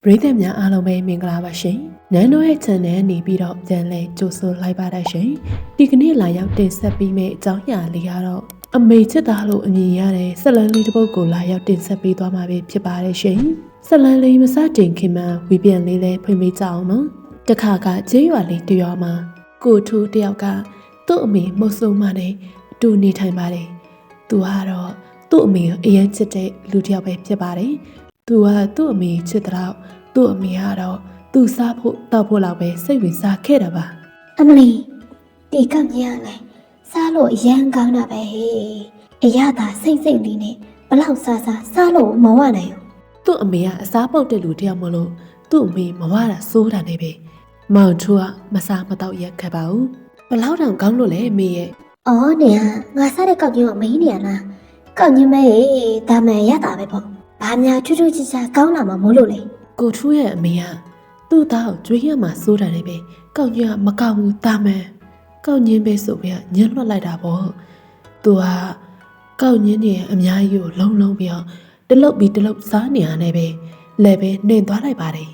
ပရိသတ်များအားလုံးပဲမင်္ဂလာပါရှင်။နန်းတော်ရဲ့ channel နေပြီးတော့ပြန်လည်ကြိုဆိုလိုက်ပါတဲ့ရှင်။ဒီကနေ့လာရောက်တင်ဆက်ပေးမယ့်အကြောင်းအရာလေးကတော့အမေချစ်သားလို့အမည်ရတဲ့ဆက်လန်းလေးတစ်ပုဒ်ကိုလာရောက်တင်ဆက်ပေးသွားမှာဖြစ်ပါတယ်ရှင်။ဆက်လန်းလေးမစတင်ခင်မှာဝီပြန်လေးလည်းဖွင့်ပေးကြအောင်နော်။တခါကကျေးရွာလေးတရွာမှာကိုထူးတယောက်ကသူ့အမေမုတ်ဆိုးမနဲ့အတူနေထိုင်ပါတယ်။သူကတော့သူ့အမေကိုအရင်ချစ်တဲ့လူတစ်ယောက်ပဲဖြစ်ပါတယ်။သူကသူ့အမေချစ်တဲ့သူ့အမေကတော့သူ့စားဖို့တောက်ဖို့လောက်ပဲစိတ်ဝင်စားခဲ့တာပါအမလီဒီကမြရလဲစားလို့အရန်ကောင်းတာပဲဟေးအရသာစိတ်လေးနဲ့ဘလောက်စားလို့မဝနိုင်ဘူးသူ့အမေကအစားပုတ်တဲ့လူတယောက်မလို့သူ့အမေမဝတာစိုးတာနဲ့ပဲမောင်ထူကမစားမတော့ရက်ခဲ့ပါဘူးဘလောက်တောင်ကောင်းလို့လဲအမေရဲ့အော်နေဟာငါစားတဲ့ကောက်ညင်းကမင်းနေရလားကောက်ညင်းမဲဒါမှန်ရတာပဲပေါ့ဘာများချွတ်ချွတ်ချစ်ချာကောင်းလာမှာမို့လို့လေကိုထူးရဲ့အမေကသူ့သားကိုကြွေးရမှာစိုးတာနဲ့ပဲကောက်ညင်းကမကောက်ဘူးတာမန်ကောက်ညင်းပဲဆိုပြီးညှက်လွှတ်လိုက်တာပေါ့သူကကောက်ညင်းနေအများကြီးကိုလုံးပြီးတော့တလုတ်ပြီးတလုတ်စားနေရတဲ့ပဲလဲပဲနှင်သွားလိုက်ပါတယ်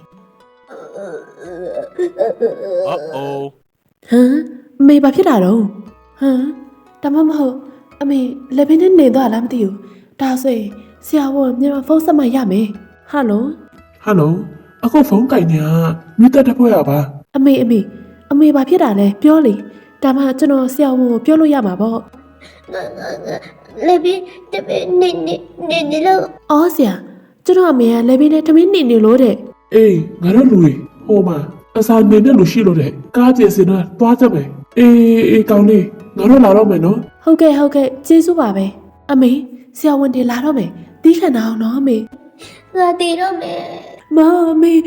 ဟမ်အမေဘာဖြစ်တာတော့ဟမ်ဒါမှမဟုတ်အမေလဲပဲနဲ့နှင်သွားလားမသိဘူးဒါဆိုရင်ဆရာဝန်မြန်မာဖုန်းဆက်မှရမယ်ဟယ်လိုအခုဖုန်းကင်နေတာမြစ်တက်ဖွဲ့ရပါအမေဘာဖြစ်တာလဲပြောလေဒါမှကျွန်တော်ဆရာဝန်ကိုပြောလို့ရမှာပေါ့လေဘီတပင်းနေလို့အော်ဆရာကျွန်တော်အမေကလေဘီနဲ့တမင်းနေလို့တဲ့အေးငါတို့လူတွေဟိုမှာအစာနေတဲ့လူရှိလို့တဲ့ကားကျစင်တော့သွားကြမယ်အေးကောင်းလေးငါတို့လာတော့မယ်နော်ဟုတ်ကဲ့ကျေးဇူးပါပဲအမေဆရာဝန်တွေလာတော့မယ်တီးခံအောင်နော်အမေငါတည်တော့မယ်မမေဟ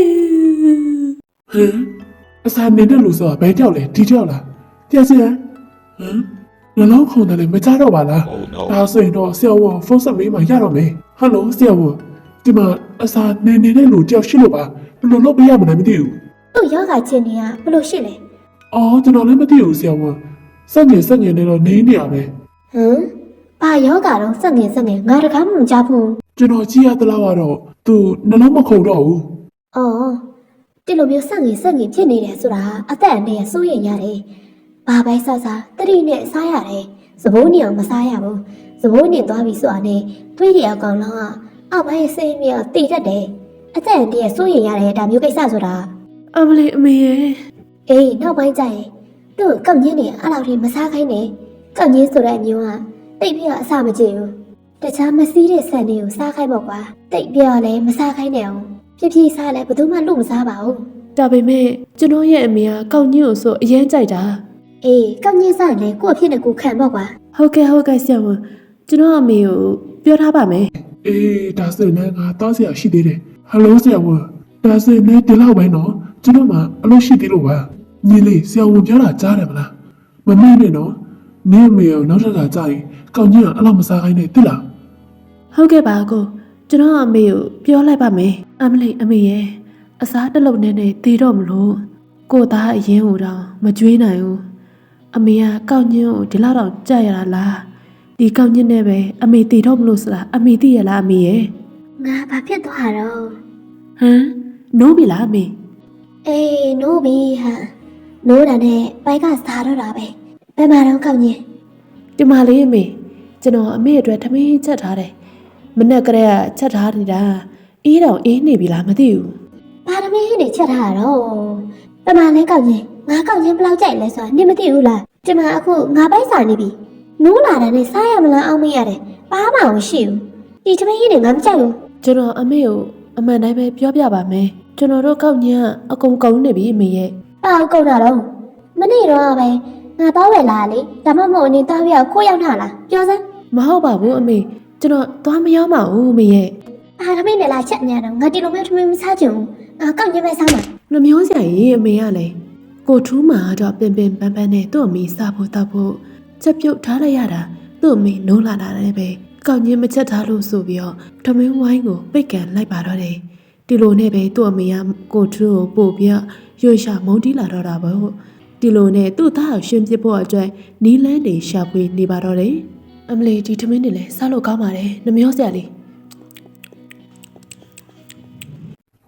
မ်အစာနေတဲ့လူဆိုတာဘယ်ကြောက်လဲဒီကြောက်လားကျစင်ဟမ်နှလုံးခုန်တယ်လေမကြတော့ပါလားဒါဆိုရင်တော့ဆရာဝန်ဖုန်းဆက်မေးမှရတော့မယ်ဟယ်လိုဆရာဝန်ဒီမှာအစာနေတဲ့လူတယောက်ရှိလို့ပါဘယ်လိုလုပ်ပေးရမလဲမသိဘူးသူ့ယောဂချင်းနေကဘယ်လိုရှိလဲအော်ကျွန်တော်လည်းမသိဘူးဆရာဝန်စက်ငင်နေတော့နေနေရပဲဟမ်ဘာယောဂတော့စက်ငင်ငါတကားမှမကြားဘူးကျွန်တော်ကြည့်ရသလောက်ကတော့သူနှလုံးမခုန်တော့ဘူးအော်ဒီလိုမျိုးစက်ငင်ဖြစ်နေတယ်ဆိုတာအသက်အန္တရာယ်စိုးရိမ်ရတယ်ဘာပဲစားတတိနဲ့စားရတယ်စဘိုးနေအောင်မစားရဘူးစဘိုးနေသွားပြီဆိုတာနဲ့တွေးရအောင်ကောင်းတော့အောက်ပိုင်းစိတ်မြောက်တည်တတ်တယ်အသက်အန္တရာယ်စိုးရိမ်ရတယ်ဒါမျိုးကိစ္စဆိုတာအမလေးအမေရဲ့အေးနောက်ပိုင်းကျရင်သူ့ကောက်ညင်းနေအဲ့လောက်ထိမစားခိုင်းနဲ့ကောက်ညင်းဆိုတဲ့အမျိုးကတိတ်ပြီးတော့အဆမကြည့်ဘူးတခြားမစည်းတဲ့ဆန်တွေကိုစားခိုင်းပေါ့ကွာတိတ်ပြီးတော့လည်းမစားခိုင်းနဲ့အောင်ဖြည်းစားလဲဘယ်သူမှလူမစားပါဘူးဒါပေမဲ့ကျွန်တော်ရဲ့အမေကကောက်ညင်းကိုဆိုအရင်ကြိုက်တာအေးကောက်ညင်းစားရင်လည်းကို့အဖြစ်နဲ့ကိုခံပေါ့ကွာဟုတ်ကဲ့ဆရာဝန်ကျွန်တော်အမေကိုပြောထားပါမယ်အေးဒါဆိုရင်ငါတောင်းစရာရှိသေးတယ်ဟယ်လိုဆရာဝန်ဒါဆိုရင်ဒီလောက်ပဲနော်ကျွန်တော်မှအလုပ်ရှိသေးလို့ပါညီလေးဆရာဝန်ပြောတာကြားတယ်မလားမမေ့နဲ့နော်နင်းမေကိုနောက်ထပ်ကကြားရင်ကောက်ညင်းကအလောက်မစားခိုင်းနဲ့တိလားဟုတ်ကဲ့ပါကိုကျွန်တော်အမေကိုပြောလိုက်ပါမယ်အမလေးအမေရဲ့အစားတလုံးနဲ့တည်တော့မလို့ကိုသားအရင်ဟိုတော့မကြွေးနိုင်ဘူးအမေကကောက်ညင်းကိုဒီလောက်တော့ကြက်ရတာလားဒီကောက်ညင်းနဲ့ပဲအမေတည်တော့မလို့ဆိုတာအမေသိရလားအမေရဲ့ငါဘာဖြစ်သွားတော့ဟမ်နိုးပြီလားအမေအေးနိုးပြီဟာနိုးတာနဲ့ပိုက်ကစားတော့တာပဲဘယ်မှာတော့ကောက်ညင်းဒီမှာလေးအမေကျွန်တော်အမေအတွက်ထမင်းချက်ထားတယ်မနေ့ကတည်းကချက်ထားနေတာအေးတော့အေးနေပြီလားမသိဘူးဘာသမီးနေချက်ထားတော့ပမာလဲကောက်ချင်းငါကောက်ချင်းဘယ်လောက်ကြိုက်လဲဆိုတာနင်မသိဘူးလားဒီမှာအခုငါပိုက်စာနေပြီနိုးလာတာနဲ့စားရမလားအောင်မရတယ်ဘာမှမရှိဘူးဒီသမီးနေငါမကြိုက်ဘူးကျွန်တော်အမေကိုအမှန်တိုင်းပဲပြောပြပါမယ်ကျွန်တော်တို့ကောက်ညင်းအကုန်ကုန်နေပြီအမေရဲ့ဘာကုန်တာတော့မနေ့တော့ပဲငါတော့ဝယ်လာလေဒါမှမဟုတ်နေတော့ပြောခိုးရောက်ထားလားပြောစမ်းမဟုတ်ပါဘူးအမေကျွန်တော်သွားမရောက်ပါဘူးအမေရဲ့အာသမီးနဲ့လာချက်နေတော့ငါဒီလိုမျိုးသမီးမစားချင်ဘူးငါကောက်ညင်းပဲစားမှာနှမျိုးစရာကြီးအမေကလည်းကိုထူးမှာတော့ပင်ပန်းနဲ့သူ့အမေစားဖို့တောက်ဖို့ချက်ပြုတ်ထားလိုက်ရတာသူ့အမေနိုးလာတာလည်းပဲကောက်ညင်းမချက်ထားလို့ဆိုပြီးတော့ထမင်းဝိုင်းကိုပိတ်ကန်လိုက်ပါတော့တယ်ဒီလိုနဲ့ပဲသူ့အမေကကိုထူးကိုပို့ပြီးရွှေရှာမုန်းတီးလာတော့တာပေါ့ဒီလိုနဲ့သူ့သားကိုရှင်ပြဖို့အတွက်နီးလန်းတွေရှာဖွေနေပါတော့တယ်အမလီဒီထမင်းတွေလည်းစားလို့ကောင်းပါတယ်နှမျိုးစရာလေး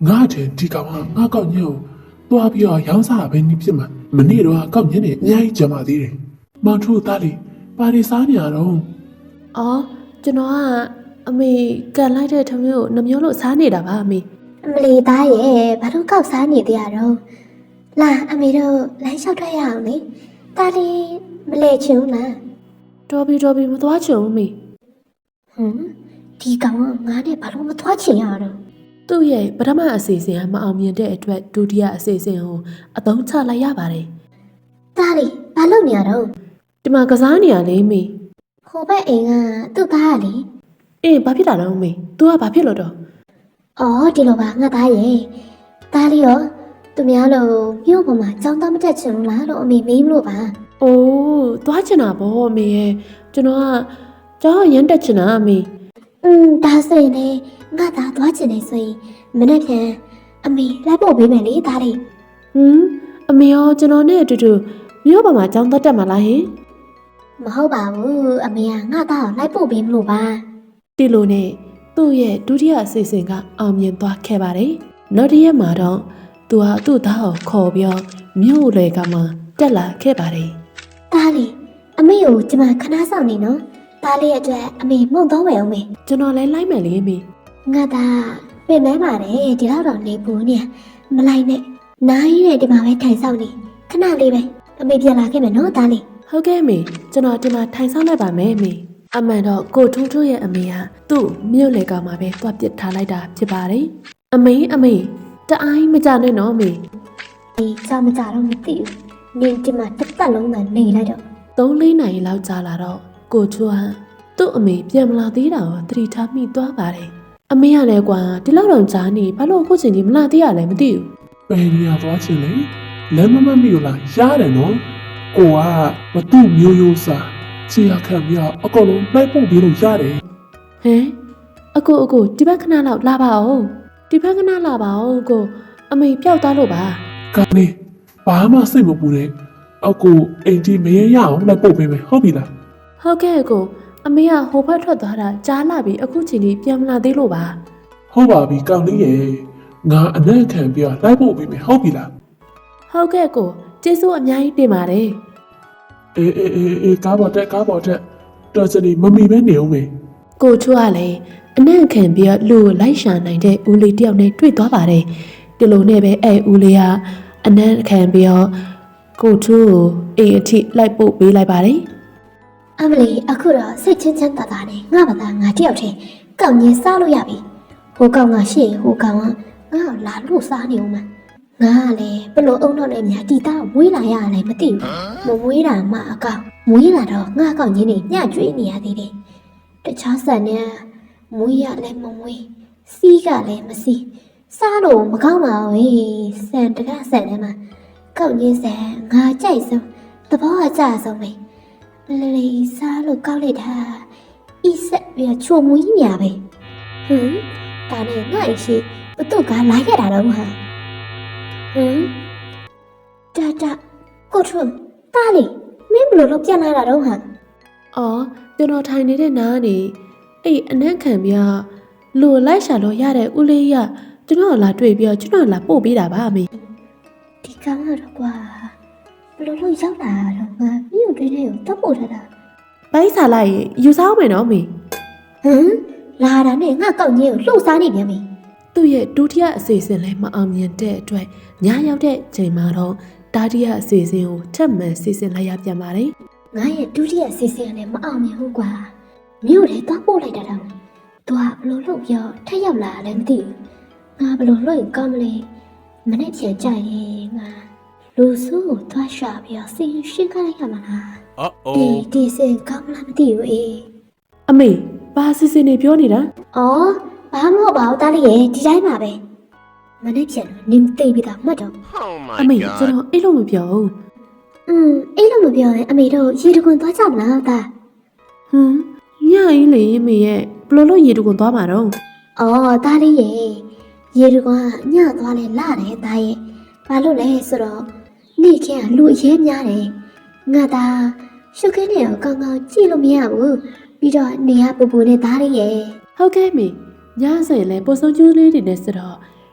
ငါတဲ့ဒီကောင်ကငါကောက်ညင်းကိုသွားပြီးတော့ရောင်းစားပဲနေဖြစ်မှာမနေ့တော့ကောက်ညင်းနေအများကြီးကြံပါသေးတယ်မောင်တို့သားလေးပါရီစားနေရတော့အော်ကျွန်တော်ကအမေကန်လိုက်တဲ့ထမင်းကိုနှမျိုးလို့စားနေတာပါအမေအမလီသားရဲ့ဘာလို့ကောက်စားနေသေးရတော့လာအမေတို့လမ်းလျှောက်ထွက်ရအောင်လေတားလေးမလဲချင်ဘူးလားတော်ပြီမသွားချင်ဘူးအမေဟမ်ဒီကောင်ကငါနဲ့ဘာလို့မသွားချင်ရတော့သူ့ရဲ့ပထမအစီအစဉ်ကမအောင်မြင်တဲ့အတွက်ဒုတိယအစီအစဉ်ကိုအသုံးချလိုက်ရပါတယ်တားလေးဘာလုပ်နေရတော့ဒီမှာကစားနေရလေအမေဟိုဘက်အိမ်ကသူ့သားကလေအေးဘာဖြစ်တာလဲအမေ तू ကဘာဖြစ်လို့တော့အော်ဒီလိုပါငါသားရဲ့တားလေးရောသူများလို့မြို့ပေါ်မှာကြောင်းသားမတက်ချင်ဘူးလားလို့အမေမေးမလို့ပါအိုးသွားချင်တာပေါ့အမေရဲ့ကျွန်တော်ကကြောက်ရမ်းတက်ချင်တာအမေဒါဆိုရင်လေငါသားသွားချင်နေဆိုရင်မနေ့ပြန်အမေလိုက်ဖို့ပေးမယ်လေသားလေးဟမ်အမေရောကျွန်တော်နဲ့အတူတူမြို့ပေါ်မှာကြောင်းတက်မှာလားဟင်မဟုတ်ပါဘူးအမေကငါသားကိုလိုက်ဖို့ပေးမလို့ပါဒီလိုနဲ့သူ့ရဲ့ဒုတိယအစီအစဉ်ကအောင်မြင်သွားခဲ့ပါတယ်နောက်တစ်ရက်မှာတော့သူဟာသူ့သားကိုခေါ်ပြီးမြို့လေကမှတက်လာခဲ့ပါတယ်သားလေးအမေကိုကျမခဏဆောင်နေနော်သားလေးအတွက်အမေမှုန့်တော့မယ်အောင်မေကျွန်တော်လည်းလိုက်မယ်လေအမေငါသားပြင်မဲပါတယ်ဒီလောက်တော့နေဘူးနေမလိုက်နဲ့နိုင်တဲ့ဒီမှာပဲထိုင်ဆောင်နေခဏလေးပဲအမေပြန်လာခဲ့မယ်နော်သားလေးဟုတ်ကဲ့အမေကျွန်တော်ဒီမှာထိုင်ဆောင်လိုက်ပါမယ်အမေအမှန်တော့ကိုထွန်းထွန်းရဲ့အမေကသူ့မြို့လေကမှာပဲတွားပစ်ထားလိုက်တာဖြစ်ပါတယ်အမေတအိုင်းမကြနဲ့နော်အမေဒီကြောင်မကြတော့မသိဘူးနင်ဒီမှာတစ်သက်လုံးသာနေလိုက်တော့ 3-4 နာရီလောက်ကြာလာတော့ကိုထွန်းကသူ့အမေပြန်မလာသေးတာကိုသတိထားမိသွားပါတယ်အမေကလည်းကွာဒီလောက်တော့ကြာနေဘာလို့အခုချိန်ကြီးမလာသေးရလဲမသိဘူးပဲနေရသွားချင်လေလမ်းမမမီကိုလားရတယ်နော်ကိုကမတူမျိုးရိုးစားချီရခံပြီးတော့အကုန်လုံးလိုက်ပို့ပြီးလို့ရတယ်ဟမ်အကိုဒီဘက်ခဏလောက်လာပါဦးဒီဘက်ခဏလာပါဦးကိုအမေပျောက်သွားလို့ပါကောင်းလေဘာမှစိတ်မပူနဲ့အကူအိမ်ကြီးမရရအောင်လိုက်ပို့ပေးမယ်ဟုတ်ပြီလားဟုတ်ကဲ့ကိုအမေကဟိုဘက်ထွက်သွားတာကြားလာပြီအခုချိန်ကြီးပြန်မလာသေးလို့ပါဟုတ်ပါပြီကောင်းလေးရေငါအနံ့ခံပြီးတော့လိုက်ပို့ပေးမယ်ဟုတ်ပြီလားဟုတ်ကဲ့ကိုကျေးဇူးအများကြီးတင်ပါတယ်အေးကားပေါ်တက်တော်စနေမမီပဲနေအောင်မေကိုချွတ်ကလည်းအနံ့ခံပြီးလူကိုလိုက်ရှာနိုင်တဲ့ဦးလေးတယောက်နဲ့တွေ့သွားပါတယ်ဒီလိုနဲ့ပဲအဲ့ဦးလေးကအနံ့ခံပြီးတော့ကိုချွတ်ကိုအိမ်အထိလိုက်ပို့ပေးလိုက်ပါတယ်အမလီအခုတော့စိတ်ချင်းချမ်းသာသာနဲ့ငါဘာသာငါတယောက်တည်းကောက်ညင်းစားလို့ရပြီဟိုကောင်ကရှေ့ဟိုကောင်ကငါ့ကိုလာလို့စားနေဦးမှာငါကလည်းဘလို့အုံတော့နဲ့များတီတာမွေးလာရလည်းမသိဘူးမမွေးတာမှအကောင်မွေးလာတော့ငါကောက်ညင်းနေညကျွေးနေရသေးတယ်တခြားဆန်နဲ့မွေးရလည်းမမွေးစီးကလည်းမစီးစားလို့မကောင်းပါဘူးဆန်တကဆန်ထဲမှာကောက်ညင်းဆန်ငါကြိုက်ဆုံးသဘောအကျဆုံးပဲလေးစားလို့ကောက်လိုက်တာဤဆက်ပြီးချိုမွေးညာပဲဟမ်ဒါနဲ့ငါ့ရှိဘသူကလာခဲ့တာတော့ဟာဟမ်တာကိုထွန်းတားလေမင်းဘလို့တော့ပြန်လာတာတော့ဟာအော်ကျွန်တော်ထိုင်နေတဲ့နားကနေအဲ့အနံ့ခံပြီးလူကိုလိုက်ရှာလို့ရတဲ့ဦးလေးကကျွန်တော်လာတွေ့ပြီးကျွန်တော်လာပို့ပေးတာပါအမေဒီကောင်ကတော့ကွာဘလို့လို့ရောက်လာတော့ငါမြို့တွင်းထဲကိုတပ်ပို့ထားတာဘိုင်းစားလိုက်ရင်ယူစားမယ်နော်အမေဟမ်လာတာနဲ့ငါကောက်ညင်းကိုလှုပ်စားနေပြန်ပြီသူ့ရဲ့ဒုတိယအစီအစဉ်လည်းမအောင်မြင်တဲ့အတွက်ညရောက်တဲ့ချိန်မှာတော့တတိယအစီအစဉ်ကိုထပ်မံစီစဉ်လိုက်ရပြန်ပါတယ်ငါရဲ့ဒုတိယစီစဉ်နဲ့မအောင်မြင်ဘူးကွာမြို့ထဲတပ်ပို့လိုက်တာတော့သူကဘလို့လို့ပြောထက်ရောက်လာလည်းမသိဘူးငါဘလို့လို့ကောင်းမလဲမနေ့ပြန်ကြရင်ငါလူစုကိုသွားရှာပြီးတော့စီရှင်းခိုင်းလိုက်ရမှာလား ဒီစင်ကောင်းလားမသိဘူးအေးအမေဘာစီစဉ်နေပြောနေတာအော်ဘာမဟုတ်ပါဘူးတားလေးရဲ့ဒီတိုင်းပါပဲမနေ့ပြန်တော့နင်းသိပြီးတော့မှတ်တော့အမေကျွန်တော်အဲ့လိုမပြောဘူးအဲ့လိုမပြောရင်အမေတို့ရေတခွန်သွားကြမလားတာဟမ်ညရင်လေအမေရဲ့ဘလို့လို့ရေတူကုန်သွားမှာတော့အော်တားလေးရဲ့ရေတခွန်ကညသွားလဲလာတယ်တားရဲ့ဘာလို့လဲဆိုတော့နေ့ခင်းကလူအရေးများတယ်ငါသားရှုပ်ခင်းနေတော့ကောင်းကောင်းကြည့်လို့မရဘူးပြီးတော့နေရပူပူနဲ့တားလေးရဲ့ဟုတ်ကဲ့မေညဆိုရင်လည်းပိုစုံကျူးလေးတွေနဲ့ဆိုတော့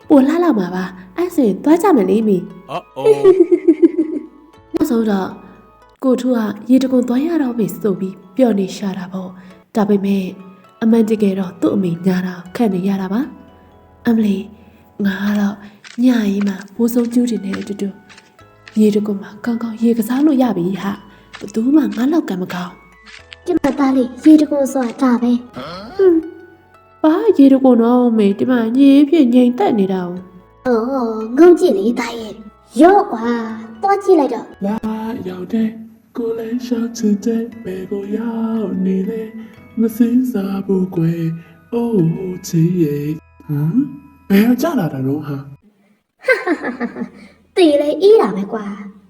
ပိုလှလာမှာပါအဲ့ဆိုရင်သွားကြမယ်လေမိ Uh-oh. နောက်ဆုံးတော့ကိုထူးကရေတကွန်သွားရတော့မေဆိုပြီးပျော်နေရှာတာပေါ့ဒါပေမဲ့အမှန်တကယ်တော့သူ့အမေညာတာခက်နေရတာပါအမလီငါကတော့ညရင်မှဘိုးဆုံးကျူးတင်နေတဲ့အတူတူရေတကွန်မှာကောင်းကောင်းရေကစားလို့ရပြီဟာဘသူမှငါလောက်ကံမကောင်းဒီမှာသားလေးရေတကွန်ဆိုတာဒါပဲဘာရေတကွန်တော့မေဒီမှာညေးဖြစ်ငိမ်တက်နေတာ哦အော်ငုံကြည့်လေသားရဲ့ရော့ကွာသွားကြည့်လိုက်တော့လာရောက်တဲ့ကိုလည်းရှောက်ချစ်တဲ့ဘယ်ကိုရောက်နေလဲမစင်းစားဘူးကွယ်အိုးချီရဲ့ဟမ်ဘယ်ကြလာတာတော့ဟာတေးလေအေးတာပဲကွာ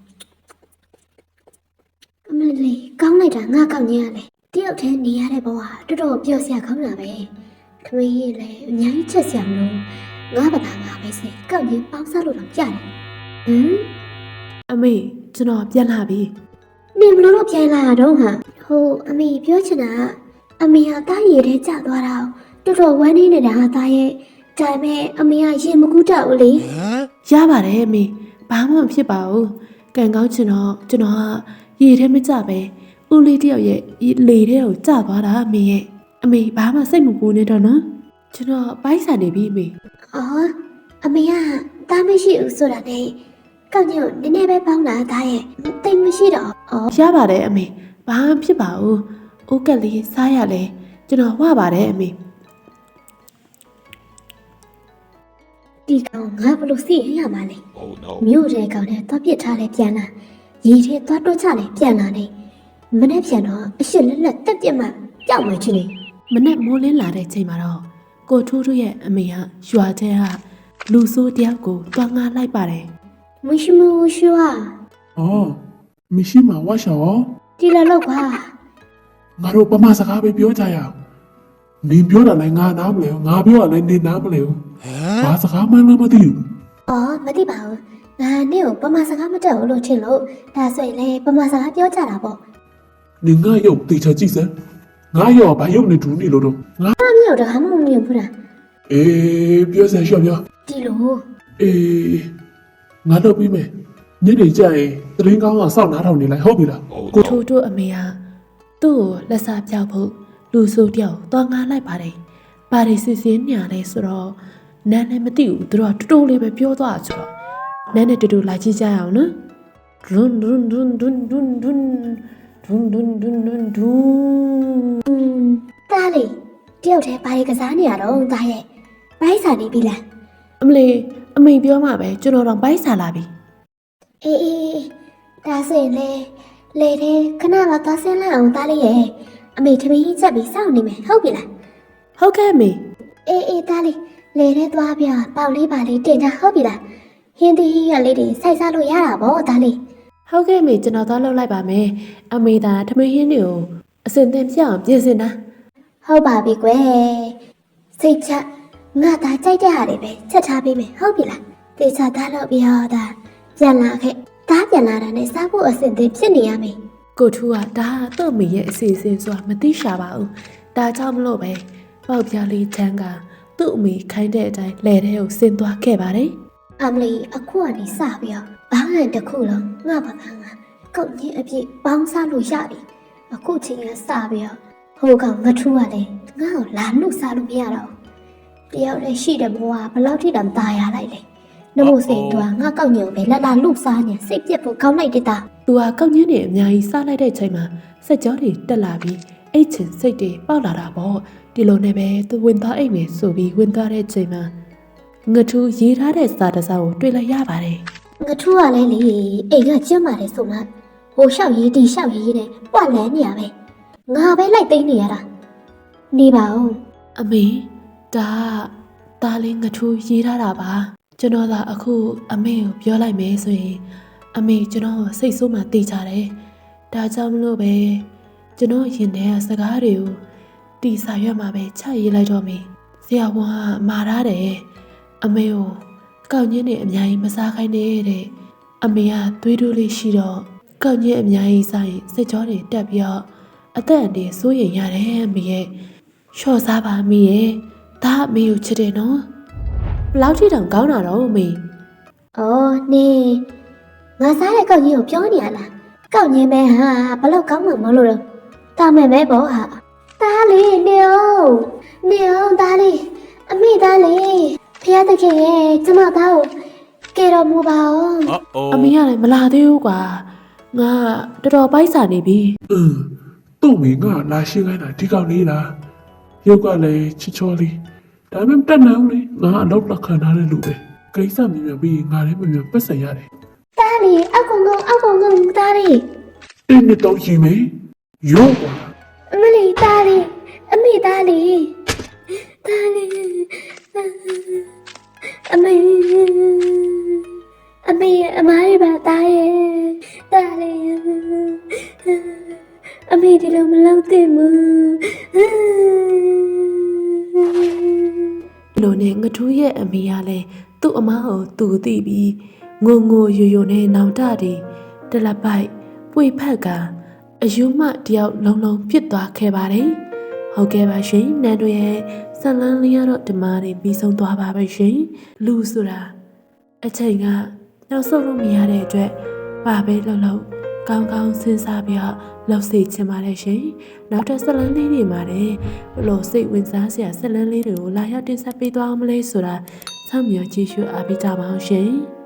အမလေးကောင်းလိုက်တာငါကောက်ညင်းရလေတယောက်တည်းနေရတဲ့ဘဝတော်တော်ပျော်စရာကောင်းတာပဲခမင်းကြီးလည်းအများကြီးချက်စရာမလိုငါဘာသာငါပဲစိကောက်ညင်းပေါင်းစားလို့တော့ကြားတယ်ဟမ်အမေကျွန်တော်ပြန်လာပြီနင်ဘလို့တော့ပြန်လာတော့ဟာဟိုအမေပြောချင်တာကအမေဟာတားရည်ထဲကျသွားတာတော်တော်ဝမ်းနေနေတာဟာတားရဲ့ဒါပေမဲ့အမေကရင်မကူးတော့ဘူးလေ Huh? ရပါတယ်အမေဘာမှမဖြစ်ပါဘူးကံကောင်းချင်တော့ကျွန်တော်ကရေထဲမကြပဲဦးလေးတယောက်ရဲ့လေထဲကိုကျသွားတာအမေရဲ့အမေဘာမှစိတ်မပူနေတော့နော်ကျွန်တော်ပိုက်ဆံနေပြီအမေအော်အမေကတားမရှိဘူးဆိုတာနဲ့ကောက်ညို့နည်းနည်းပဲပေါင်းလာတာရဲ့တိတ်မရှိတော့အော်ရပါတယ်အမေဘာမှဖြစ်ပါဘူးအိုးကက်လေးစားရလဲကျွန်တော်ဝပါတယ်အမေဒီကောင်ငါဘလို့စီရင်ရမှာလဲ Oh no. မြို့တဲ့ကောင်နဲ့သွားပစ်ထားလဲပြန်လာရေထဲသွားတွတ်ချလဲပြန်လာနေမနေ့ပြန်တော့အရှစ်လက်လက်တက်ပြက်မှကြောက်မှချင်းနေမနဲ့မိုးလင်းလာတဲ့ချိန်မှာတော့ကိုထူးထူးရဲ့အမေကရွာထဲကလူဆိုးတယောက်ကိုတွားငားလိုက်ပါတယ်မရှိမရှူဟာအော်မရှိမှာဝါရှောဒီလိုလောက်ပါငါတို့ပမာစကားပဲပြောကြရအောင်နင်ပြောတာလည်းငါနားမလဲဘူးငါပြောတာလည်းနင်နားမလဲဘူး Huh? ဘာစကားမှလည်းမသိဘူးအော်မသိပါဘူးငါနဲ့ကိုပမာစကားမတက်ဘူးလို့ထင်လို့ဒါဆိုရင်လေပမာစကားပြောကြတာပေါ့နင်ငါရုပ်တေချာကြည့်စမ်းငါရောဘာရုပ်နဲ့ဒူးနေလို့တော့ငါအမျိုးတကားမှမမြင်ဘူးလားအေးပြောစမ်းရှော့ပြောဒီလိုအေးငါတော့ပြီးမယ်ညနေကျရင်သတရင်ကောင်းကစောင့်နားထောင်နေလိုက်ဟုတ်ပြီလား Oh ကို no. ထူးထူးအမေကသူ့ကိုလက်စားပြောက်ဖို့လူဆိုးတယောက်တွားငားလိုက်ပါတယ်ဘာတွေစစ်စင်းညာလဲဆိုတော့နန်းလည်းမသိဘူးသူတို့ကတူတူလေးပဲပြောသွားဆိုတော့နန်းနဲ့တူတူလာကြည့်ကြရအောင်နော်ဒွန်းဒွန်းဒွန်းဒွန်းဒွန်းဒွန်းဒွန်းဒွန်းဒွန်းဒွန်းဒွန်းတားလေတယောက်တည်းဘာတွေကစားနေရတော့တားရဲ့ဘိုက်စာနေပြီလားအမလေးအမေပြောမှပဲကျွန်တော်တော့ဘိုက်ဆာလာပြီအေးအေးဒါဆိုရင်လေတဲ့ခဏတော့သွားဆင်းလိုက်အောင်တားလေးရဲ့အမေထမင်းကြီးချက်ပြီးစောင့်နေမယ်ဟုတ်ပြီလားဟုတ်ကဲ့အမေအေးတားလေးလေတဲ့သွားပြပေါက်လေးပါလေးတင်ကြဟုတ်ပြီလားဟင်းသီးရွက်လေးတွေစိုက်စားလို့ရတာဗောတားလေးဟုတ်ကဲ့အမေကျွန်တော်သွားလုပ်လိုက်ပါမယ်အမေသာထမင်းဟင်းတွေကိုအစင်သင်ပြအောင်ပြင်ဆင်တာဟုတ်ပါပြီကွယ်စိတ်ချငါသားကြိုက်တဲ့ဟာတွေပဲချက်ထားပေးမယ်ဟုတ်ပြီလားတေချာသားလို့ပြီးတော့ဒါပြန်လာခဲ့တားပြန်လာတာနဲ့စားဖို့အဆင်သင့်ဖြစ်နေရမယ်ကိုထူးကဒါကသူ့အမေရဲ့အစီအစဉ်ဆိုတာမသိရှာပါဘူးဒါကြောင့်မလို့ပဲပေါက်ပြားလေးချမ်းကသူ့အမေခိုင်းတဲ့အတိုင်းလဲတဲ့ကိုဆင်းသွားခဲ့ပါတယ်အမလီအခုကနေစပြီးတော့ဘာမှတစ်ခုလုံးငါဘာသာငါကောက်ကြီးအပြည့်ပေါင်းစားလို့ရပြီအခုချိန်ကစပြီးတော့ဟိုကောင်ငထူးကလည်းငါ့ကိုလာနှုတ်စားလို့မရတော့ဘူးတယောက်လည်းရှိတဲ့ဘဝဘယ်လောက်ထိတောင်ตายရလိုက်လဲနမို့စိတ်တော့ငါကောက်ညုံပဲလက်လာလှုပ်စားနေစိတ်ပြက်ဖို့ကောင်းလိုက်တဲ့တာသူကကောက်ညင်းနေအများကြီးစားလိုက်တဲ့ချိန်မှာစက်ကြောတွေတက်လာပြီးအိတ်ချင်စိတ်တွေပေါက်လာတာပေါ့ဒီလိုနဲ့ပဲသူဝင်သွားအိတ်မယ်ဆိုပြီးဝင်သွားတဲ့ချိန်မှာငထူးရေးထားတဲ့စာတစ်စောင်ကိုတွေ့လိုက်ရပါတယ်ငထူးကလည်းလေအိမ်ကကျင်းပါတယ်ဆိုမှဟိုလျှောက်ရေးဒီလျှောက်ရေးနဲ့ပွက်လန်းနေရပဲငါပဲလိုက်သိမ်းနေရတာနေပါဦးအမေဒါလေးငထူးရေးထားတာပါကျွန်တော်သာအခုအမေကိုပြောလိုက်မယ်ဆိုရင်အမေကျွန်တော်စိတ်ဆိုးမှတေးကြတယ်ဒါကြောင့်မလို့ပဲကျွန်တော်ရင်ထဲကစကားတွေကိုတီစာရွက်မှာပဲချရေးလိုက်တော့မေဆရာဝန်ကမာထားတယ်အမေကိုကောက်ညင်းနေအများကြီးမစားခိုင်းနဲ့တဲ့အမေကသွေးတိုးလေးရှိတော့ကောက်ညင်းအများကြီးစားရင်စိတ်ကြောတွေတက်ပြီးတော့အသက်အန္တရာယ်စိုးရိမ်ရတယ်အမေရဲ့လျှော့စားပါအမေရဲ့ဒါအမေကိုချစ်တယ်နော်ဘလောက်ထိတောင်ကောင်းတာတော့အမေ။အော်နေငါစားတဲ့ကောက်ကြီးကိုပြောနေရလား။ကောက်ငင်းမဲဟာဘလောက်ကောင်းမှမလို့တော့တာမယ်မဲပေါ့ဟာ။သားလေးနေအောင်သားလေးအမိသားလေးဖျားတခင်ရဲ့ကျမသားကိုကဲတော်မူပါအောင်အမေကလည်းမလာသေးဘူးကွာငါတော်တော်ပိုက်စာနေပြီသူ့မိငါလာရှင်းခိုင်းတာဒီကောင်လေးလားရုပ်ကလည်းချစ်ချောလေးဒါပေမဲ့တက်နေဦးလေငါအလုပ်လက်ခံထားတဲ့လူပဲကိစ္စမြင်မြင်ပြီးငါလည်းမြင်မြင်ပတ်စံရတယ်သားလေးအောက်ကောင်သားလေးတင်းနဲ့တော့ရင်မေရော့ကွာအမလေးသားလေးအမိသားလေးအမေအမားရပါသားရဲ့သားလေးအမေဒီလိုမလုပ်သင့်ဘူးလိုနဲ့ငထူးရဲ့အမေကလည်းသူ့အမကိုသူသိပြီးငိုငိုယိုယိုနဲ့နောင်တတီတလက်ပိုက်ပွေဖက်ကအယူမတယောက်လုံးလုံးပြစ်သွားခဲ့ပါတယ်ဟုတ်ကဲ့ပါရှင်နန်းတို့ရဲ့ဇလန်းလေးရတော့ဒီမှာနေပြီးဆုံးသွားပါပဲရှင်လူဆိုတာအချိန်ကနောက်ဆုံးလို့မရတဲ့အတွက်ပါပဲလှုပ်ကောင်းကောင်းစဉ်းစားပြီးတော့လှုပ်စေချင်ပါတယ်ရှင်နောက်ထပ်ဇလန်းလေးတွေမှာလည်းဘလို့စိတ်ဝင်စားစရာဇလန်းလေးတွေကိုလာရောက်တင်ဆက်ပေးသွားအောင်မလဲဆိုတာစောင့်မျှော်ကြည့်ရှုအားပေးကြပါအောင်ရှင်